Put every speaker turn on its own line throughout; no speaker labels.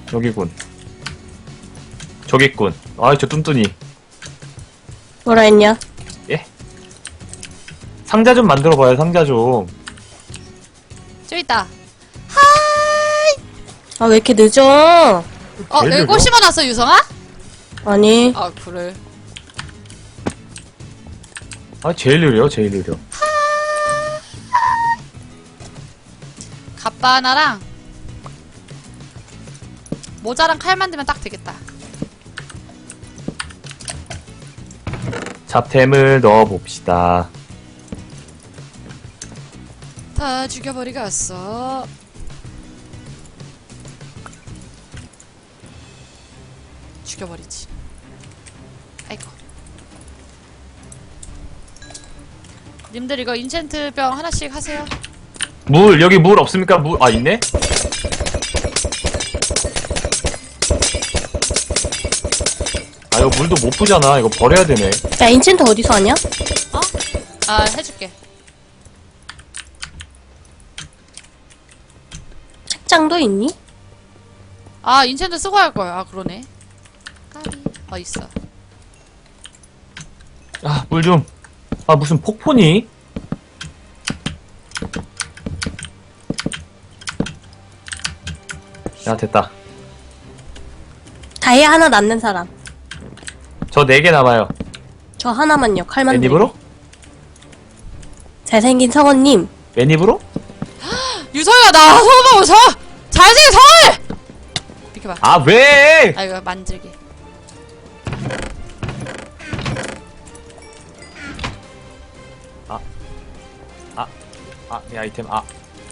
여기군. 저기군. 아이, 저 뚠뚠이.
뭐라 했냐?
예? 상자 좀 만들어봐요, 상자 좀.
저기 있다.
아, 왜 이렇게 늦어?
여기
제일
꽃 심어놨어, 유성아?
아니.
아, 그래.
아, 제일 느려, 제일 느려.
갑바 하나랑 모자랑 칼 만들면 딱 되겠다.
잡템을 넣어봅시다.
다 죽여버리겠어. 죽여버리지. 아이고. 님들 이거 인챈트 병 하나씩 하세요.
물, 여기 물 없습니까? 물, 아, 있네? 아, 이거 물도 못 부잖아. 이거 버려야 되네.
야, 인챈트 어디서 하냐?
어? 아, 해줄게.
책장도 있니?
아, 인챈트 쓰고 할 거야. 아, 그러네. 까비. 있어.
아, 물 좀. 아, 무슨 폭포니? 야, 됐다.
다이아 하나 남는 사람.
저 4개 남아요.
저 하나만요. 칼 만들기.
맨입으로?
잘생긴 성원님.
맨입으로?
유성이가 나 서울 서! 잘생긴 서울! 비켜봐.
아, 왜!
아, 이거 만들기.
내 아이템, 아.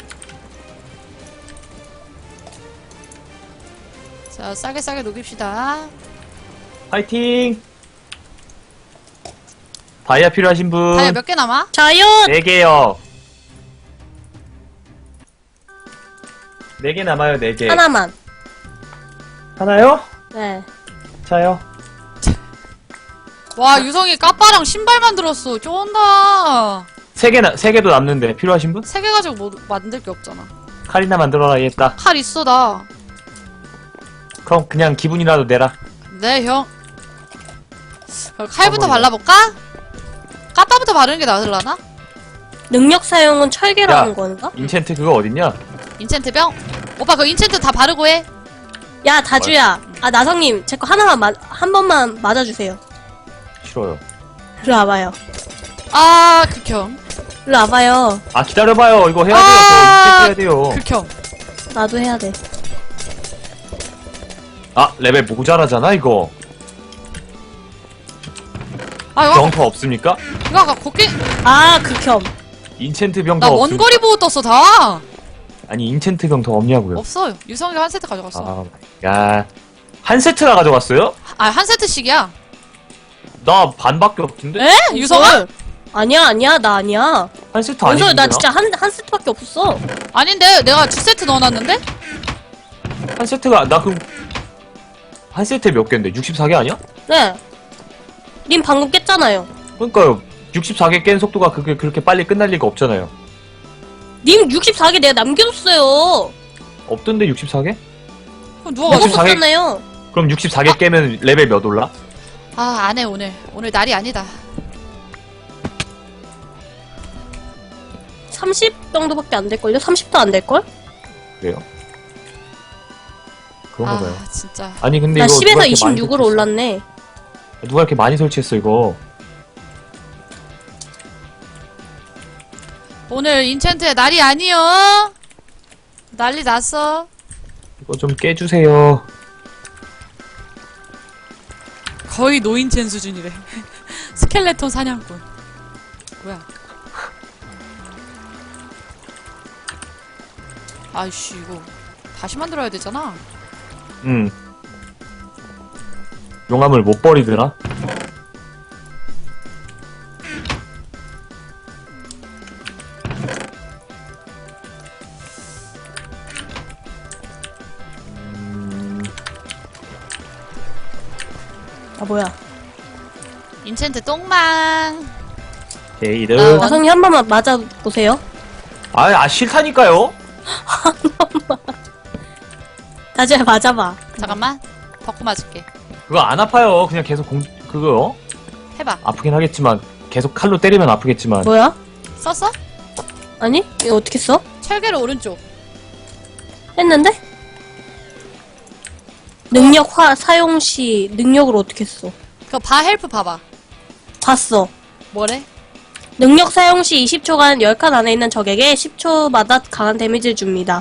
자, 싸게 녹입시다.
화이팅! 다이아 필요하신 분?
다이아 몇 개 남아?
저요!
4개요. 4개 남아요, 4개.
하나만.
하나요?
네.
자요.
와, 유성이 까빠랑 신발 만들었어. 쫀다.
3개도 남는데 필요하신 분?
3개 가지고 뭐 만들 게 없잖아.
칼이나 만들어라, 얘다.
칼 있어, 나.
그럼 그냥 기분이라도 내라.
네, 형. 그럼 칼부터
어머니야.
발라볼까? 까빠부터 바르는 게 나으려나?
능력 사용은 철개라는
야.
건가?
인챈트 그거 어딨냐?
인챈트 병? 오빠 그 인챈트 다 바르고 해.
야, 다주야. 아, 나성님. 제 거 하나만 한 번만 맞아주세요.
싫어요.
일로 와봐요.
아, 극혐.
일로 와봐요.
아, 기다려봐요. 이거 해야 돼요.
아,
저 인챈트 해야 돼요.
극혐.
나도 해야 돼.
아, 레벨 모자라잖아, 이거.
아, 이거,
병터 없습니까?
이거 아까 곡괭이,
아, 극혐.
인챈트 병터
나
없습니까?
원거리 보호 떴어, 다.
아니, 인챈트 병터 없냐고요.
없어요. 유성이가 한 세트 가져갔어.
야, 한 세트나 가져갔어요?
아, 한 세트씩이야.
나 반밖에 없던데?
에? 유성아?
아니야. 나 아니야.
한 세트
원서
아닌데?
나 진짜 한 세트밖에 없었어.
아닌데, 내가 2세트 넣어놨는데?
한 세트가, 나 그럼, 한 세트에 몇 개인데? 64개 아니야?
네. 님 방금 깼잖아요.
그러니까요. 64개 깬 속도가 그게 그렇게 빨리 끝날 리가 없잖아요.
님 64개 내가 남겨줬어요.
없던데, 64개?
그럼 누가
64
가져?
개?
먹었잖아요.
그럼 64개 깨면 레벨 몇 올라?
아, 안 해, 오늘. 오늘 날이 아니다.
30 정도밖에 안 될걸요? 30도 안 될걸?
그래요? 그런가 봐요.
아, 진짜.
아니, 근데
나
이거.
10에서
누가 이렇게 많이
26으로
설치했어?
올랐네.
누가 이렇게 많이 설치했어, 이거?
오늘 인챈트의 날이 아니여. 난리 났어.
이거 좀 깨주세요.
거의 노인첸 수준이래. 스켈레톤 사냥꾼. 뭐야? 아이씨, 이거 다시 만들어야 되잖아.
용암을 못 버리더라?
아, 뭐야.
인챈트 똥망.
게이드.
나성님 한 번만 맞아보세요.
싫다니까요?
다주야 맞아봐.
잠깐만. 벚고 맞을게.
그거 안 아파요. 그냥 계속 그거
해봐.
아프긴 하겠지만 계속 칼로 때리면 아프겠지만.
뭐야?
썼어?
아니? 이거 어떻게 써?
철개를 오른쪽.
했는데? 능력 사용 시 능력을 어떻게 써?
그거 바 헬프 봐봐.
봤어.
뭐래?
능력 사용 시 20초간 10칸 안에 있는 적에게 10초마다 강한 데미지를 줍니다.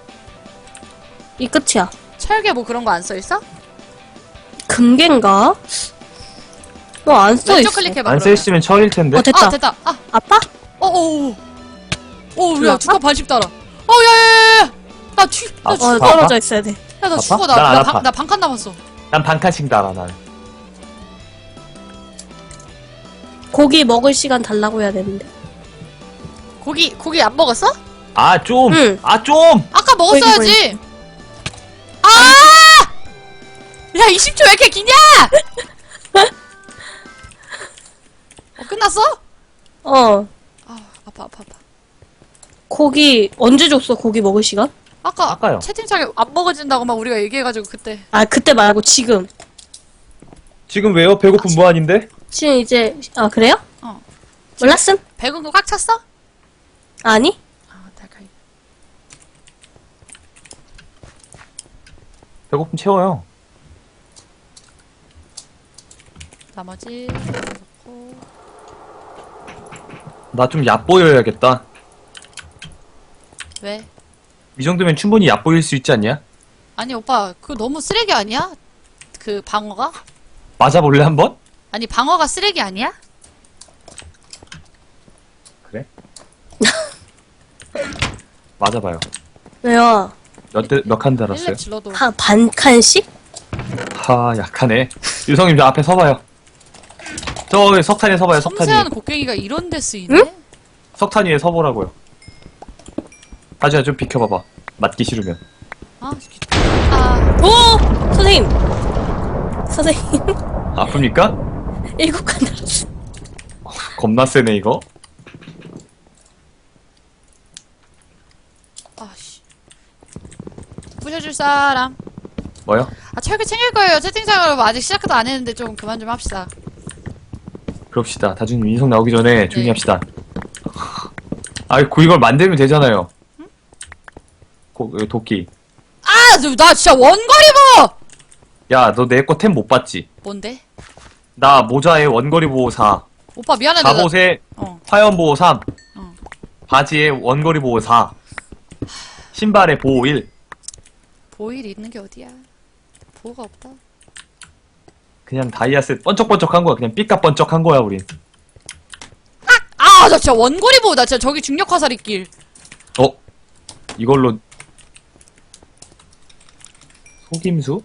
이 끝이야.
철개 뭐 그런 거 안 써있어?
금괴인가? 안 써있어.
왼쪽 클릭해봐.
안
그러면.
쓰시면 철일 텐데.
됐다.
아 됐다. 아.
아파?
오. 오, 야,
들어갔다?
두칸 반씩 따라. 야야야야. 나
아,
죽어.
떨어져 있어야 돼.
야, 나
아파?
죽어.
난안 아파.
나 반칸 남았어.
난 반칸씩 달아 난.
고기 먹을 시간 달라고 해야 되는데.
고기 안 먹었어?
아 좀.
응.
아 좀.
아까 먹었어야지. 아! 야, 20초 왜 이렇게 기냐? 끝났어?
어.
아, 아파.
고기 언제 줬어? 고기 먹을 시간?
아까요.
채팅창에 안 먹어진다고 막 우리가 얘기해가지고 그때.
아 그때 말고 지금.
지금 왜요? 배고픈 무한인데?
지금 이제 그래요?
어.
몰랐음?
배군 거 꽉 찼어?
아니?
아, 달걀.
배고픔 채워요.
나머지 넣고.
나 좀 얕보여야겠다.
왜?
이 정도면 충분히 얕보일 수 있지 않냐?
아니 오빠 그거 너무 쓰레기 아니야? 그 방어가?
맞아볼래 한번?
아니 방어가 쓰레기 아니야?
그래? 맞아봐요.
왜요?
몇 칸 달았어요?
일렙 질러도.
한 반 칸씩?
하 약하네. 유성님 저 앞에 서봐요. 저 석탄에 서봐요. 석탄 위에.
섬세한 곡괭이가 이런 데 쓰이네?
석탄 위에 서보라고요. 다주야 좀 비켜봐봐. 맞기 싫으면.
아, 아,
오! 선생님! 선생님,
아픕니까?
7칸 달았어.
겁나 세네 이거.
아씨. 부셔줄 사람.
뭐요?
아, 철개 챙길 거예요. 채팅창으로 아직 시작도 안 했는데 좀 그만 좀 합시다.
그럽시다. 다주님 인성 나오기 전에 조용히
네.
합시다. 아 이걸 만들면 되잖아요. 도끼.
아, 나 진짜 원거리 뭐!
야 너 내 거 템 못 봤지?
뭔데?
나 모자에 원거리 보호 4,
오빠 미안한데. 나-
갑옷에
어.
화염 보호 3,
어.
바지에 원거리 보호 4, 신발에 보호 1.
보일 있는 게 어디야? 보호가 없다.
그냥 다이아셋 번쩍번쩍한 거야. 그냥 삐까번쩍한 거야 우린.
아, 나 진짜 원거리 보호. 나 진짜 저기 중력 화살 있길.
이걸로 속임수?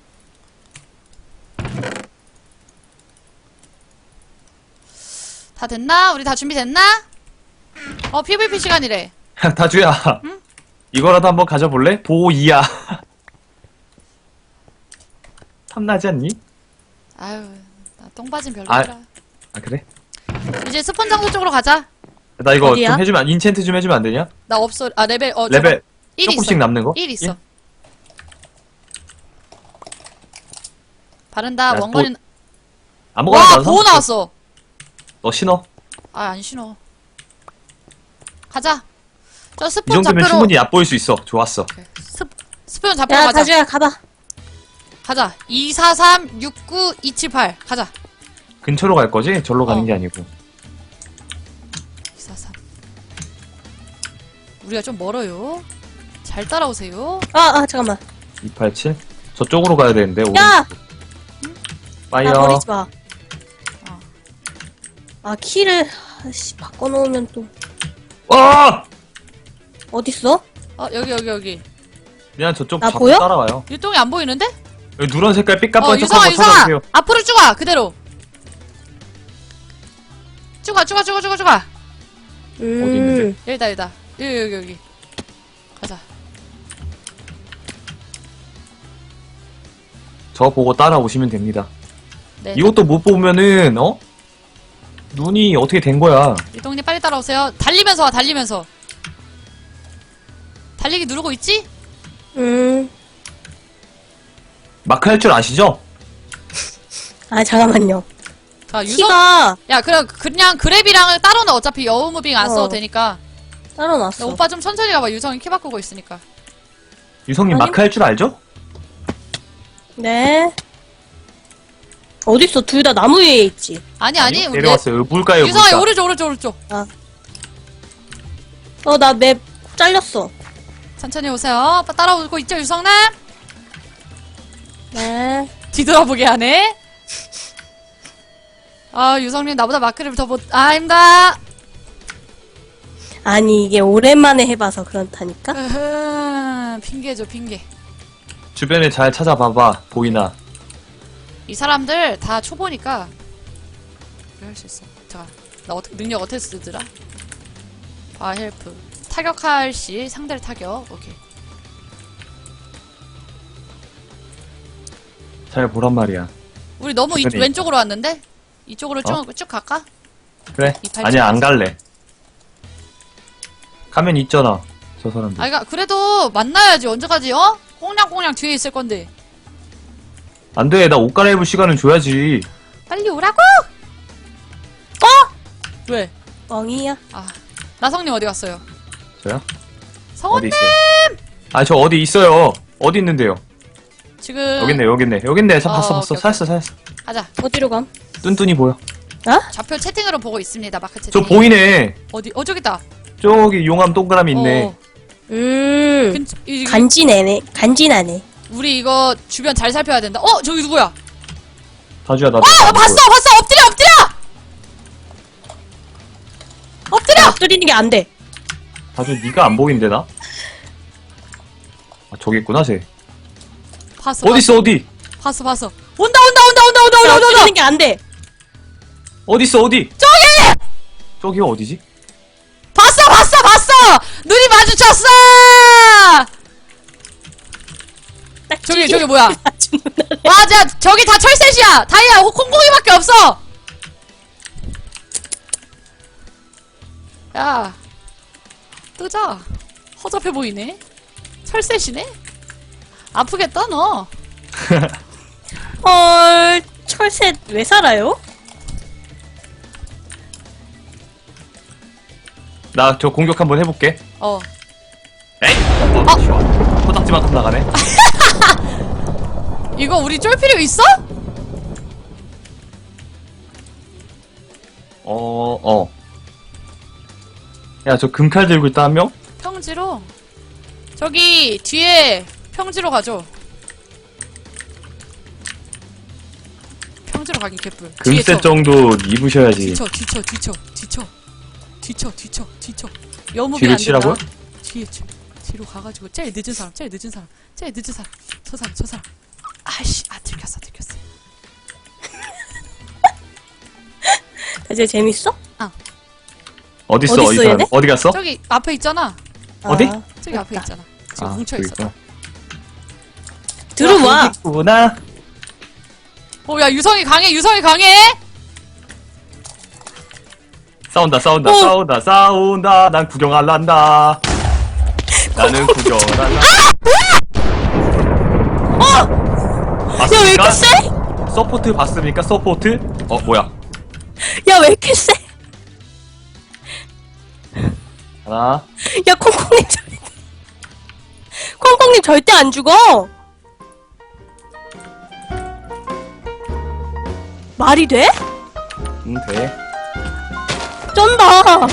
다 됐나? 우리 다 준비됐나? PVP 시간이래.
다주야. 이거라도 한번 가져볼래? 보호 2야. 탐나지 않니?
아유, 나 똥바진 별로더라.
아 그래?
이제 스폰 장소 쪽으로 가자.
나 이거
어디야?
좀 해주면 인챈트 좀 해주면 안 되냐?
나 없어. 아, 레벨,
레벨
1
조금씩
있어.
남는 거?
1 있어.
일?
바른다.
야,
원거리는.
아무거나
와,
나와서
보호 나왔어.
너 신어.
아, 안 신어. 가자. 저
이
스폰
정도면
잡혀로.
충분히 얕보일 수 있어. 좋았어.
스폰 잡혀로
야,
가자.
다주야, 가봐.
가자. 243 69 278. 가자.
근처로 갈 거지? 절로 가는
어.
게 아니고.
243. 우리가 좀 멀어요. 잘 따라오세요.
잠깐만.
287. 저쪽으로 가야 되는데.
야!
파이어.
나 버리지 마.
어.
키를, 바꿔놓으면 또.
와!
어딨어?
여기.
그냥 저쪽
나
자꾸
보여?
따라와요.
유통이 안 보이는데?
여기 누런 색깔
유성아,
삐까번쩍한 거
유성아.
찾아주세요.
앞으로 쭉 와. 그대로. 쭉 와.
있는데?
여기다. 여기. 가자.
저 보고 따라오시면 됩니다.
네.
이것도 못 보면은 눈이 어떻게 된 거야?
유통님 빨리 따라오세요. 달리면서 와. 달리기 누르고 있지?
마크 할 줄 아시죠?
아, 잠깐만요.
자, 유성.
키가
야, 그냥 그랩이랑 따로는 어차피 여우무빙 안 써도 되니까.
따로
야,
놨어.
오빠 좀 천천히 가봐. 유성이 키 바꾸고 있으니까.
유성님
아니.
마크 할 줄 알죠?
네. 어딨어? 둘 다 나무 위에 있지.
아니,
아니요?
우리
내려왔어요. 물가요,
유성아,
물가.
오른쪽.
나 맵 잘렸어.
천천히 오세요. 오빠 따라오고 있죠, 유성남?
네.
뒤돌아보게 하네. 아, 유성님 나보다 마크를 더 못, 아닙니다.
아니, 이게 오랜만에 해봐서 그렇다니까?
핑계죠, 핑계.
주변에 잘 찾아봐봐. 보이나?
이 사람들 다 초보니까 할 수 있어. 잠깐, 나 능력 어떻게 쓰더라? 헬프. 타격할 시 상대를 타격. 오케이.
잘 보란 말이야.
우리 너무
주변에
왼쪽으로 왔는데? 이쪽으로 쭉 갈까?
그래?
이팔
아니야, 안
찍어야지.
갈래. 가면 있잖아. 저 사람들.
아, 그래도 만나야지. 언제까지, 꽁냥꽁냥 뒤에 있을 건데.
안 돼. 나 옷 갈아입을 시간은 줘야지.
빨리 오라고! 왜?
뻥이야.
아, 나성님 어디 갔어요?
저요? 어디
성원님!
있어요? 아, 저 어디 있어요. 어디 있는데요?
지금.
여기 있네. 봤어.
오케이,
찾았어.
가자.
어디로 감?
뚠뚠이 보여.
좌표 채팅으로 보고 있습니다. 마크 채팅.
저 보이네.
저기 있다.
저기 용암 동그라미 있네.
어,
간지나네.
우리 이거 주변 잘 살펴야 된다. 저기 누구야?
다주야, 나.
봤어! 엎드려!
엎드리는 게 안 돼.
다주, 네가 안 보이는데, 나? 아, 저기 있구나, 쟤.
봤어.
어딨어, 어디?
봤어. 온다!
엎드리는 게 안 돼.
어딨어, 어디? 저기요, 어디지?
봤어! 눈이 마주쳤어! 저기 뭐야? 맞아! 저기 다 철셋이야! 다이아 콩콩이밖에 없어! 야, 뜨자. 허접해 보이네. 철셋이네? 아프겠다, 너.
헐, 철새 왜 살아요?
나 저 공격 한번 해볼게. 에이! 쉬워. 코딱지만큼 나가네.
이거 우리 쫄 필요 있어?
야, 저 금칼 들고 있다, 한 명?
평지로. 저기, 뒤에 평지로 가죠. 평지로 가긴 개뿔. 뒤에
금셋 정도 입으셔야지.
뒤쳐. 여무비
뒤를
안 된다.
치라고요?
뒤로 가가지고 제일 늦은 사람. 저 사람. 아이씨, 들켰어.
이제 재밌어?
어딨어,
어딨어,
이 사람?
얘네?
어디 갔어?
저기 앞에 있잖아.
어디?
저기 앞에
맞다.
있잖아. 지금 뭉쳐있어.
저기 있구나.
들어와.
여기 있구나.
야, 유성이 강해!
싸운다. 난 구경할란다. 나는 구경할란다.
야, 왜 이렇게 세?
서포트 봤습니까? 서포트? 뭐야?
야, 왜 이렇게 세?
하나.
야, 콩콩님 절대 안 죽어. 말이 돼?
돼.
쩐다.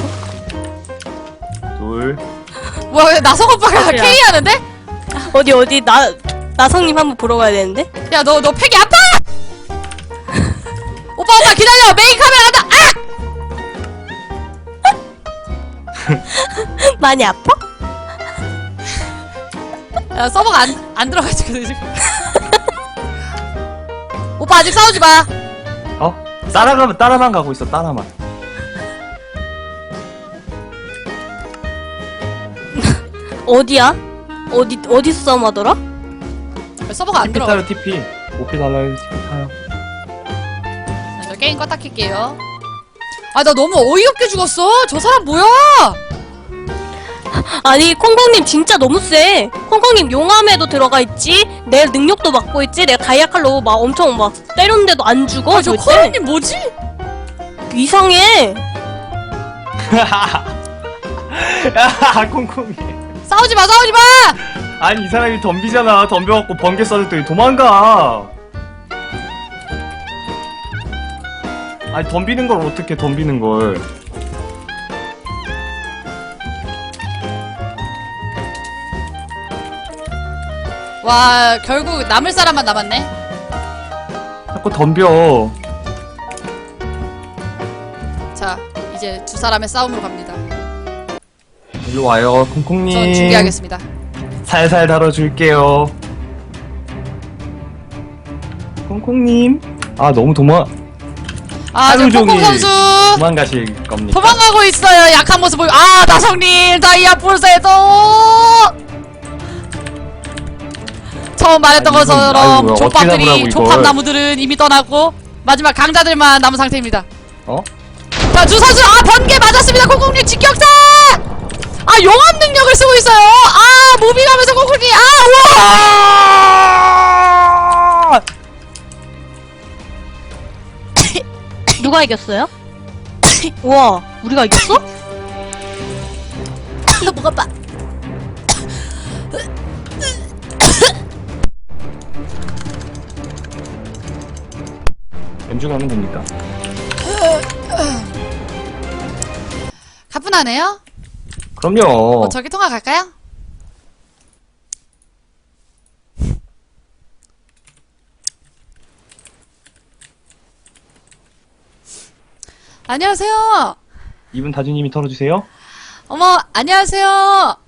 둘.
뭐야, 왜 나성 오빠가
그래요.
K 하는데?
어디, 나성님 한번 보러 가야 되는데?
야, 너 팩이 아파! 오빠, 기다려! 메인 카메라 한다!
많이 아파?
야, 서버가 안 들어가지고, 지금. 오빠, 아직 싸우지 마!
따라만 가고 있어, 따라만.
어디야? 어디서 싸움하더라?
서버가 안
TP
들어가.
타요, TP. 오피 달라요, TP 타요.
저 게임 껐다 킬게요. 나 너무 어이없게 죽었어! 저 사람 뭐야!
아니 콩콩님 진짜 너무 세. 콩콩님 용암에도 들어가 있지. 내 능력도 맡고 있지. 내가 다이아칼로 막 엄청 막 때렸는데도 안 죽어.
저
절대.
코로님 뭐지?
이상해.
야, 콩콩이.
싸우지 마!
아니, 이 사람이 덤비잖아. 덤벼갖고 번개 쏴줬더니 도망가. 아니, 덤비는 걸 어떻게 덤비는 걸.
와, 결국 남을 사람만 남았네.
자꾸 덤벼.
자, 이제 두 사람의 싸움으로 갑니다.
일로 와요, 콩콩님.
전 준비하겠습니다.
살살 다뤄줄게요. 콩콩님. 아, 너무
아, 저
하루
콩콩
종일
선수
도망가실 겁니까?
도망가고 있어요. 약한 모습 보이고. 아, 나성님 다이아 풀세도 처음 말했던
아니, 이건-
것처럼
아이고, 어떻게
조팝들이
잡으라고,
조팝
이걸.
나무들은 이미 떠나고 마지막 강자들만 남은 상태입니다.
어?
자, 주 선수, 아, 번개 맞았습니다. 콩콩님 직격타! 아, 용암 능력을 쓰고 있어요. 아, 무빙하면서 콩콩님, 아, 우와!
누가 이겼어요? 우와, 우리가 이겼어?
뭐가 빠?
연중하면 됩니까?
가뿐하네요.
그럼요.
저기 통화 갈까요? 안녕하세요.
이분 다주님이 털어주세요.
어머, 안녕하세요.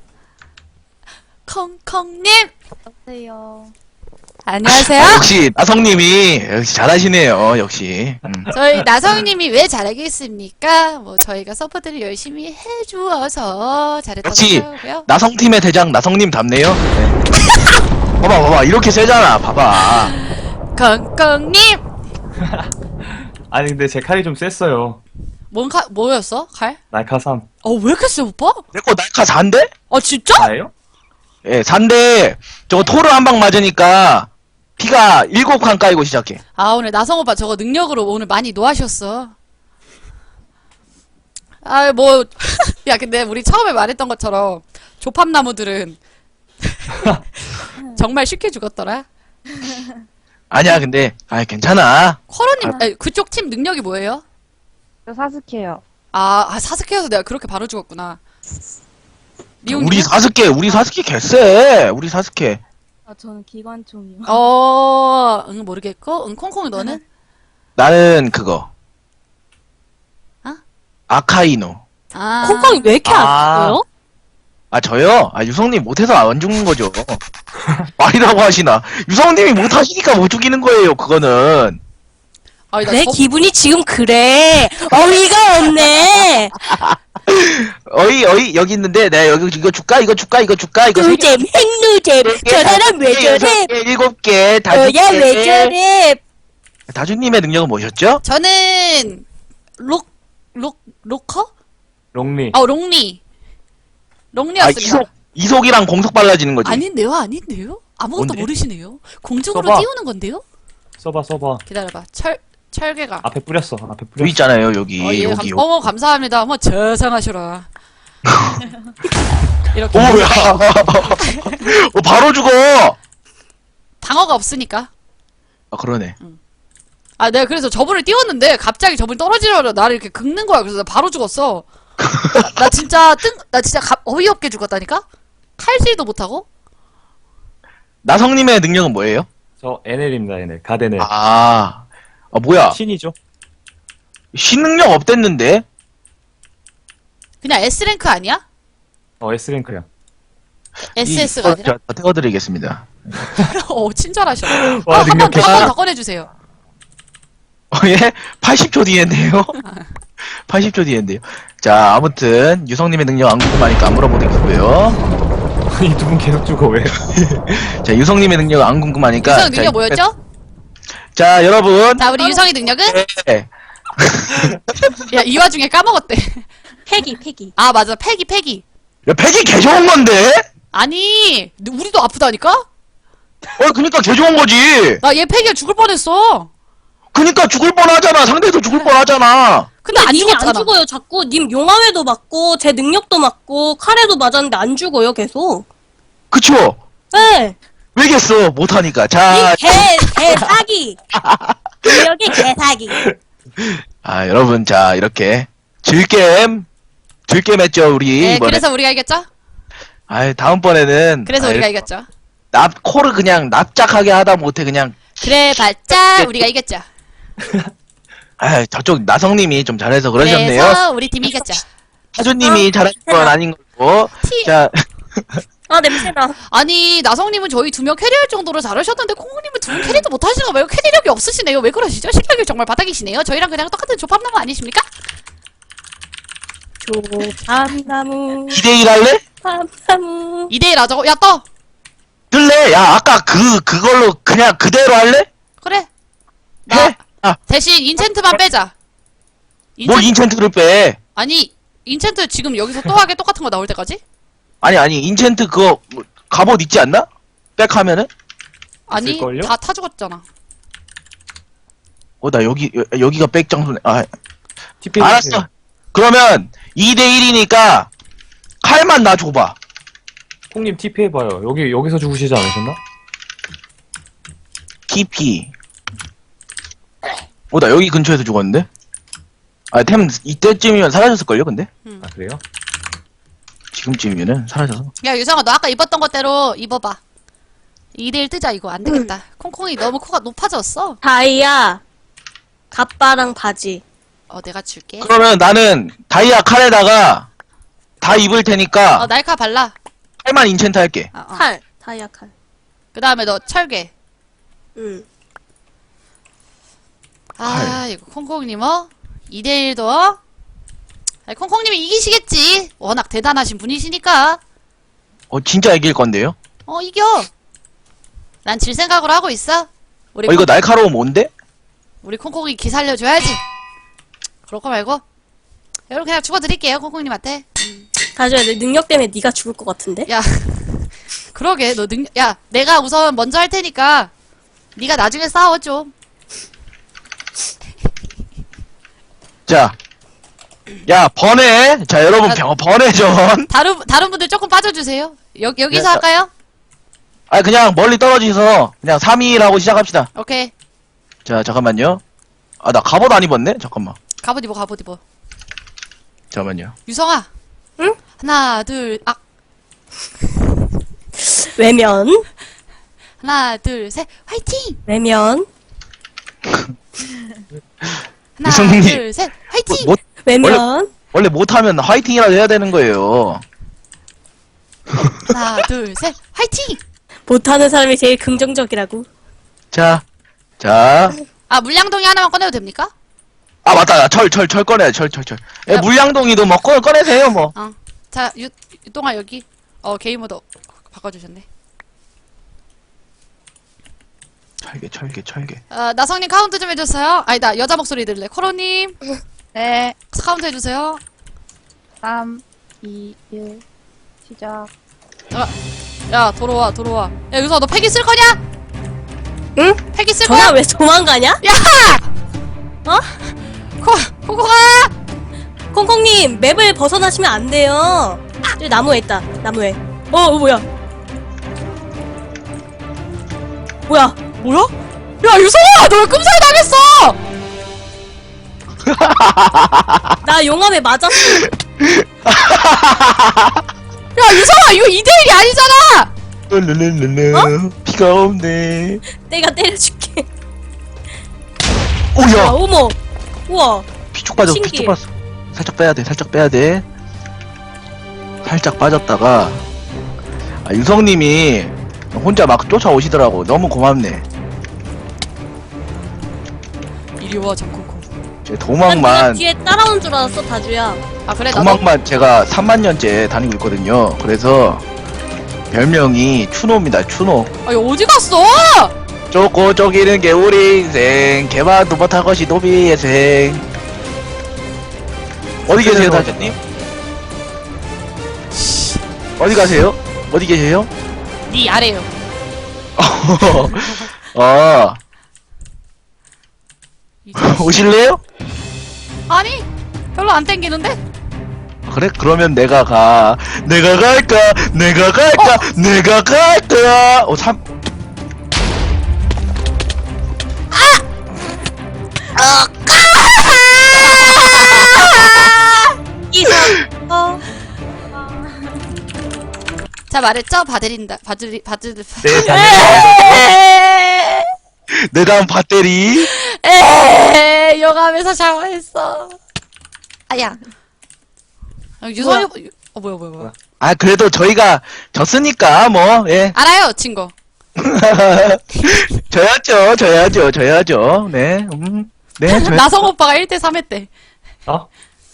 콩콩님.
안녕하세요.
안녕하세요.
역시 나성님이 역시 잘하시네요. 역시.
저희 나성님이 왜 잘하겠습니까? 뭐 저희가 서포트를 열심히 해주어서 잘했다고
역시
생각하고요.
나성팀의 대장 나성님 답네요. 네. 봐봐 이렇게 세잖아. 봐봐.
콩콩님.
아니, 근데 제 칼이 좀 셌어요.
뭐였어? 칼?
날카삼.
왜 이렇게 세, 오빠?
내거 날카 4인데?
진짜?
나예요?
예, 4인데 저거 토르 한 방 맞으니까 피가 7칸 까이고 시작해.
오늘 나성 오빠 저거 능력으로 오늘 많이 노하셨어. 야, 근데 우리 처음에 말했던 것처럼 조팝나무들은 정말 쉽게 죽었더라.
아니야 근데 괜찮아.
코로님, 그쪽 팀 능력이 뭐예요?
저 사스케요.
사스케여서 내가 그렇게 바로 죽었구나. 리옹님?
우리 사스케 개쎄. 우리 사스케.
저는 기관총이요.
모르겠고. 콩콩이 너는?
나는 그거.
어?
아카이노.
콩콩이 왜 이렇게 아파요?
저요? 유성님 못해서 안 죽는 거죠. 말이라고 하시나. 유성님이 못하시니까 못 죽이는 거예요, 그거는.
내 기분이 지금 그래. 어이가 없네.
여기 있는데, 내가 이거 줄까? 이거
노잼, 핵노잼. 저 사람 왜 저래?
7개,
야, 왜 저래?
다주님의 능력은 뭐셨죠?
저는 로커?
롱리.
롱리였습니다.
이속이랑 공속 빨라지는 거지.
아닌데요? 아무것도
뭔데?
모르시네요. 공중으로
써봐.
띄우는 건데요?
써봐.
기다려봐. 철개가.
앞에 뿌렸어.
여기 있잖아요, 여기.
예,
여기.
감사합니다. 저상하셔라. 이렇게.
뭐야. 바로 죽어!
방어가 없으니까.
그러네.
내가 그래서 저분을 띄웠는데 갑자기 저분이 떨어지려고 나를 이렇게 긁는 거야. 그래서 나 바로 죽었어. 나 진짜 어이없게 죽었다니까? 칼질도 못하고?
나성님의 능력은 뭐예요?
저 NL입니다, NL. 갓 NL.
뭐야.
신이죠?
신능력 없댔는데?
그냥 S랭크 아니야?
S랭크야.
SS가 아니라?
제가 태워드리겠습니다.
친절하셔.
와,
한 번
능력해.
더 꺼내주세요.
예? 80초 뒤엔데요? 80초 뒤엔데요. 자, 아무튼 유성님의 능력 안 궁금하니까 안 물어보겠고요.
이 두 분 계속 죽어, 왜?
자, 유성님의 능력 안 궁금하니까.
유성 능력 뭐였죠?
자, 여러분.
자, 우리 유성이 능력은?
네.
야, 이 와중에 까먹었대.
패기.
맞아. 패기.
야, 팩이 개 좋은 건데?
아니, 우리도 아프다니까?
그니까 개 좋은 거지.
나 얘 팩이야 죽을 뻔했어.
그니까 죽을 뻔 하잖아. 상대도 죽을 뻔 하잖아.
근데 안
님이
죽었잖아.
안 죽어요. 자꾸 님 용암에도 맞고 제 능력도 맞고 칼에도 맞았는데 안 죽어요. 계속.
그쵸?
네.
왜겠어? 못하니까. 자,
개 사기. 능력이 개 사기.
여러분, 자, 이렇게. 질겜 했죠, 우리.
네,
이번에.
그래서 우리가 이겼죠?
다음번에는.
그래서 우리가 이겼죠.
코를 그냥 납작하게 하다 못해, 그냥.
그래 봤자 우리가 이겼죠.
저쪽 나성님이 좀 잘해서 그러셨네요.
그래서 우리 팀이 이겼죠.
하주님이 잘하신 건 아닌 거고. 자,
아 냄새나.
아니 나성님은 저희 2명 캐리할 정도로 잘하셨는데 콩콩님은 2명 캐리도 못하시는 거 말고 캐리력이 없으시네요. 왜 그러시죠? 실력이 정말 바닥이시네요. 저희랑 그냥 똑같은 조합나무 아니십니까?
조밤나무
2대1 할래?
밤나무.
2대1 하자고. 야 떠!
들래? 야, 아까 그걸로 그냥 그대로 할래?
그래.
해?
대신 인챈트만 빼자.
뭘 인챈트를 빼?
아니 인챈트 지금 여기서 또 하게 똑같은 거 나올 때까지?
아니, 인챈트 그거, 갑옷 있지 않나? 백 하면은?
아니
있을걸요?
다 타 죽었잖아.
나 여기가 백 장소네.
TP
알았어. 그러면, 2대1이니까, 칼만 나 줘봐.
콩님 TP 해봐요. 여기서 죽으시지 않으셨나?
TP. 나 여기 근처에서 죽었는데? 템, 이때쯤이면 사라졌을걸요, 근데?
아 그래요?
지금쯤이면은 사라져서.
야 유성아 너 아까 입었던 것대로 입어봐. 2대1 뜨자. 이거 안 되겠다. 콩콩이 너무 코가 높아졌어.
다이아 갑바랑 바지.
내가 줄게.
그러면 나는 다이아 칼에다가 다 입을 테니까
날카 발라.
칼만 인챈트 할게.
칼. 다이아 칼.
그 다음에 너 철괴.
응.
이거 콩콩님 2대1도 콩콩님이 이기시겠지. 워낙 대단하신 분이시니까.
진짜 이길 건데요?
이겨. 난 질 생각으로 하고 있어. 우리
이거 날카로움 뭔데?
우리 콩콩이 기 살려줘야지. 그럴 거 말고 여러분 그냥 죽어드릴게요 콩콩님한테.
가져야 돼. 능력 때문에 네가 죽을 것 같은데?
야 그러게 너 야 내가 우선 먼저 할 테니까 네가 나중에 싸워 좀.
자, 야, 번외. 자, 여러분, 번외전.
다른 분들 조금 빠져주세요. 여기서
네,
할까요?
그냥 멀리 떨어지서, 그냥 3위라고 시작합시다.
오케이.
자, 잠깐만요. 나 갑옷 안 입었네? 잠깐만.
갑옷 입어.
잠깐만요.
유성아.
응?
하나 둘
외면.
하나 둘 셋 화이팅.
외면.
하나
유성님.
둘 셋 화이팅.
외면.
원래 못하면 화이팅이라도 해야 되는 거예요.
하나 둘 셋 화이팅.
못하는 사람이 제일 긍정적이라고.
자.
물량동이 하나만 꺼내도 됩니까?
맞다. 철 꺼내야 철.
야.
물량동이도 뭐, 꺼내세요, 뭐.
자 유동아 여기 게임 모드 바꿔주셨네.
철개.
나성님 카운트 좀 해줬어요. 나 여자 목소리 들래. 코로님
네.
카운트 해주세요.
3, 2, 1. 시작.
야 돌아와. 야 유성아 너 팩이 쓸 거냐?
응?
팩이 쓸
전화
거야?
왜 도망가냐?
야! 콩콩아!
콩콩님 맵을 벗어나시면 안 돼요. 저기 나무에 있다. 나무에. 뭐야?
뭐야? 야 유성아 너 왜 끔살 당했어?
나 용암에 맞았어.
야 유성아 이거 2대1이 아니잖아.
룰루루루. 비가 없네.
내가 때려줄게.
오야.
어머. 우와.
피축 빠졌어.
신기해.
피축 빠졌어. 살짝 빼야 돼. 살짝 빠졌다가 유성님이 혼자 막 쫓아오시더라고. 너무 고맙네.
이리 와 장코코.
제
난 네가
도망만
뒤에 따라온 줄 알았어 다주야.
그래 나도
도망만 제가 3만 년째 다니고 있거든요. 그래서 별명이 추노입니다. 추노.
이거 어디 갔어?
쫓고 쫓기는 게 우리 인생. 개만도 못한 것이 노비의 생. 어디 계세요, 다주님? 어디 가세요? 어디 계세요?
네 아래요. 이제
오실래요?
아니 별로 안 땡기는데?
그래? 그러면 내가 가. 내가 갈까? 내가 갈까? 내가 갈까? 삼.
자 말했죠? 봐드린다. 봐드리
네, 다녀.
내 다음 배터리.
요감에서 샤워했어. 아야. 유성이 뭐야.
아, 그래도 저희가 졌으니까, 뭐, 예.
알아요, 친구.
져야죠. 네, 네, 져야
나성 오빠가 1대3 했대.
어?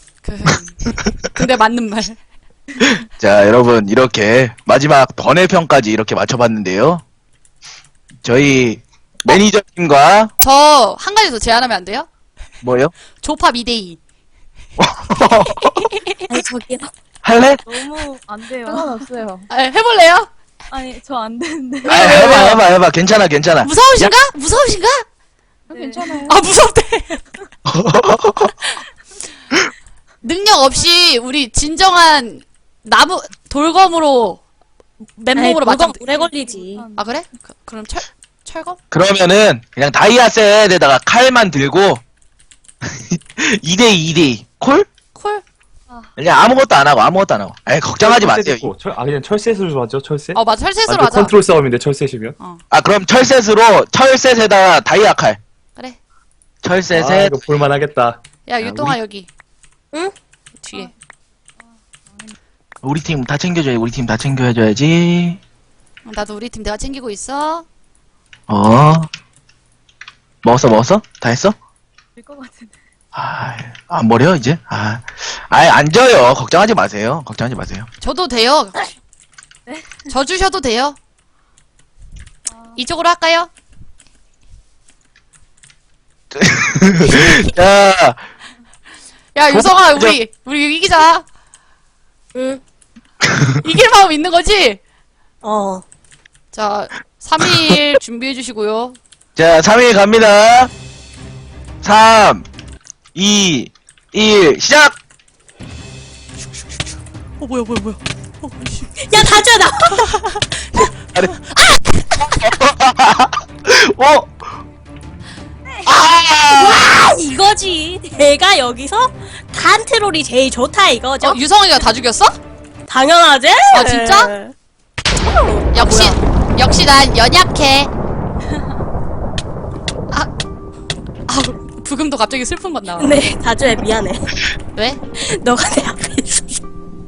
근데 맞는 말.
자, 여러분, 이렇게, 마지막 번외편까지 이렇게 맞춰봤는데요. 저희, 매니저님과,
저 한 가지 더 제안하면 안 돼요?
뭐요?
조팝 2대2.
아니 저기요.
할래?
너무 안 돼요.
상관없어요.
해볼래요?
아니, 저 안 되는데.
아, 해봐. 괜찮아.
무서우신가? 무서우신가?
네.
괜찮아요.
아, 무섭대. 능력 없이 우리 진정한 나무 돌검으로 맨몸으로 맞짱.
오래 걸리지.
아 그래? 그럼 철검?
그러면은, 그냥 다이아 셋에다가 칼만 들고, 2대2. 콜?
콜?
그냥 아무것도 안 하고. 에이, 걱정하지 마세요.
그냥 철셋으로 하죠, 철셋?
어 맞아 철새으로
완전
하자.
컨트롤 싸움인데, 철셋이면.
아, 그럼 철셋에다 다이아 칼.
그래.
철셋에,
이거 볼만하겠다.
야 유동아 여기.
응?
뒤에.
우리 팀 다 챙겨줘야지.
나도 우리 팀 내가 챙기고 있어.
먹었어? 다 했어?
될것 같은데.
안 버려, 이제? 안 져요. 걱정하지 마세요.
저도 돼요. 저 주셔도 돼요. 이쪽으로 할까요?
자,
야 유성아 우리 이기자.
응.
이길 마음 있는 거지?
어.
자 3일 준비해 주시고요.
자, 3일 갑니다. 3, 2, 1, 시작!
뭐야.
야 다주야 나. 이거지. 내가 여기서 컨트롤이 제일 좋다 이거죠.
유성이가 다 죽였어?
당연하지.
아, 진짜? 역시 난 연약해. 부금도 갑자기 슬픈 건 나와.
네, 다주야 미안해.
왜?
너가 내 앞에 있었어.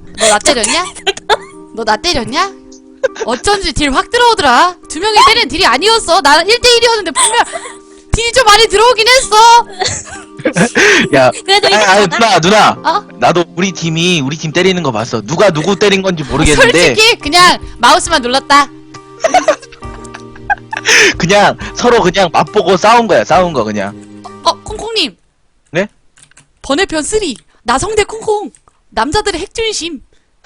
너 나 때렸냐? 어쩐지 딜 확 들어오더라. 두 명이 때리는 딜이 아니었어. 나는 1대1이었는데 분명 딜이 좀 많이 들어오긴 했어.
야,
그래도
누나.
어?
나도 우리 팀 때리는 거 봤어. 누가 누구 때린 건지 모르겠는데.
솔직히 그냥 마우스만 눌렀다.
그냥 서로 그냥 맛보고 싸운 거 그냥.
콩콩님.
네?
번외편 3. 나성대 콩콩. 남자들의 핵중심.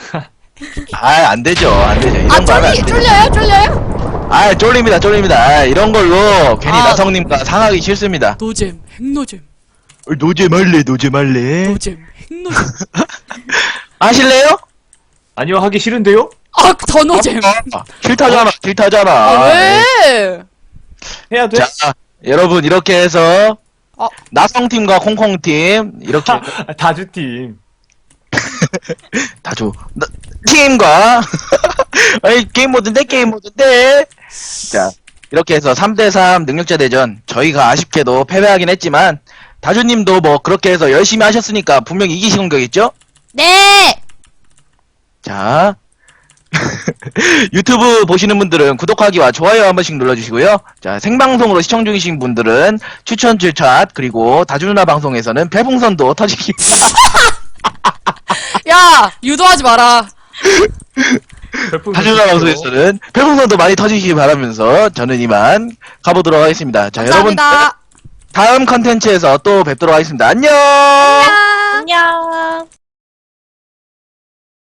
안 되죠. 이런 거 하면 안 돼.
쫄려요?
쫄립니다. 이런 걸로 괜히 나성님과 상하기 싫습니다.
노잼, 핵노잼.
노잼할래.
노잼, 핵노잼.
하실래요?
아니요, 하기 싫은데요?
더 노잼.
싫다잖아.
왜?
해야 돼?
자, 여러분 이렇게 해서
어.
나성팀과 콩콩팀 이렇게
다주팀.
팀과 아니 게임 모드인데 자 이렇게 해서 3대3 능력자 대전 저희가 아쉽게도 패배하긴 했지만 다주님도 뭐 그렇게 해서 열심히 하셨으니까 분명히 이기신 거겠죠?
네!
자 유튜브 보시는 분들은 구독하기와 좋아요 한 번씩 눌러주시고요. 자 생방송으로 시청 중이신 분들은 추천 그리고 다주 누나 방송에서는 별풍선도 터지기
야! 유도하지 마라.
다주 누나 방송에서는 별풍선도 많이 터지시기 바라면서 저는 이만 가보도록 하겠습니다. 자 여러분
감사합니다.
다음 컨텐츠에서 또 뵙도록 하겠습니다. 안녕.
안녕.